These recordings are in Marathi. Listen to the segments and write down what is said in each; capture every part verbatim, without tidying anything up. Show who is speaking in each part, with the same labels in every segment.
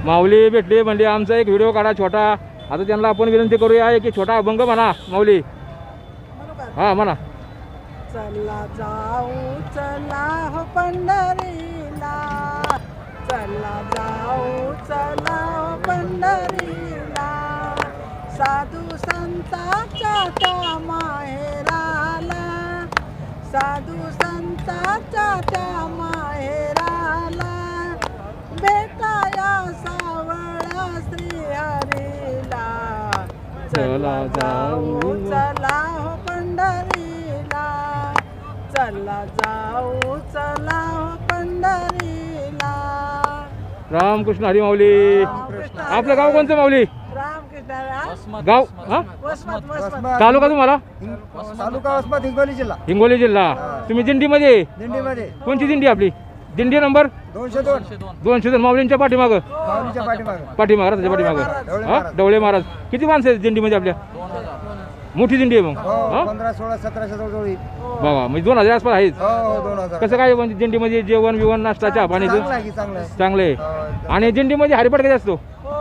Speaker 1: माऊली भेटली म्हणजे आमचा एक व्हिडिओ काढा छोटा. आता त्यांना आपण विनंती करूया की छोटा अभंग म्हणा माऊली. हा म्हणा.
Speaker 2: चला जाऊ चला हो पंढरीला, चला जाऊ चला हो पंढरीला, साधू संतांच्या त्या माहेराला, साधू संतांच्या त्या माहेराला, भेटाया सावळा श्रीहरीला. चला जाऊ चला हो पंढरीला, चला जाऊ चला हो पंढरीला.
Speaker 1: रामकृष्ण हरी माऊली. आपलं गाव कोणतं माऊली?
Speaker 2: रामकृष्ण
Speaker 1: गाव हा
Speaker 2: वसमत वसमत
Speaker 1: तालुका तुम्हाला?
Speaker 3: तालुका वसमत हिंगोली जिल्हा.
Speaker 1: हिंगोली जिल्हा. तुम्ही दिंडीमध्ये?
Speaker 3: दिंडीमध्ये.
Speaker 1: कोणती दिंडी आपली? दिंडी नंबर
Speaker 3: दोनशे दोन.
Speaker 1: दोनशे दोन. माऊलींच्या पाठीमागं
Speaker 3: माऊलीच्या पाठीमागे.
Speaker 1: पाठीमागं रथाच्या पाठीमागं. हा डवळे महाराज. किती माणसं आहेत दिंडीमध्ये आपल्या? मोठी दिंडी आहे मग.
Speaker 3: हो
Speaker 1: हा
Speaker 3: पंधरा सोळा सतराशे जवळ येईल.
Speaker 1: बाबा म्हणजे दोन हजार आसपास आहेत.
Speaker 3: हो हो दोन हजार.
Speaker 1: कसं काय म्हणजे दिंडीमध्ये जेवण बिवण नाश्ता चहा पाण्याचं
Speaker 3: चांगलं आहे की चांगलं आहे.
Speaker 1: चांगलं आहे.
Speaker 3: हो,
Speaker 1: आणि दिंडीमध्ये हरिपाठ कधी असतो?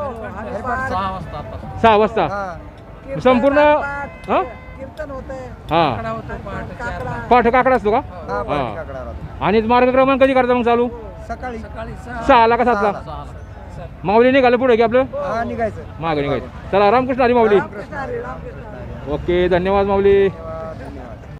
Speaker 1: सहा वाजता
Speaker 3: हा.
Speaker 1: संपूर्ण हा
Speaker 2: कीर्तन होतंय,
Speaker 1: हा
Speaker 2: काकडा
Speaker 1: पाठ काकडा असतो का?
Speaker 3: हा
Speaker 1: हा.
Speaker 3: पाठी काकडा राहतो.
Speaker 1: आणि मार्गक्रमण कधी करता मग चालू?
Speaker 3: सकाळी
Speaker 1: सहाला का सातला? माऊली निघालं पुढे की आपलं
Speaker 3: हा निघायचं.
Speaker 1: मागं निघायचं. चला रामकृष्ण हरी माऊली.
Speaker 2: कृष्ण हरी रामकृष्ण हरी.
Speaker 1: ओके धन्यवाद माऊली.
Speaker 3: धन्यवाद.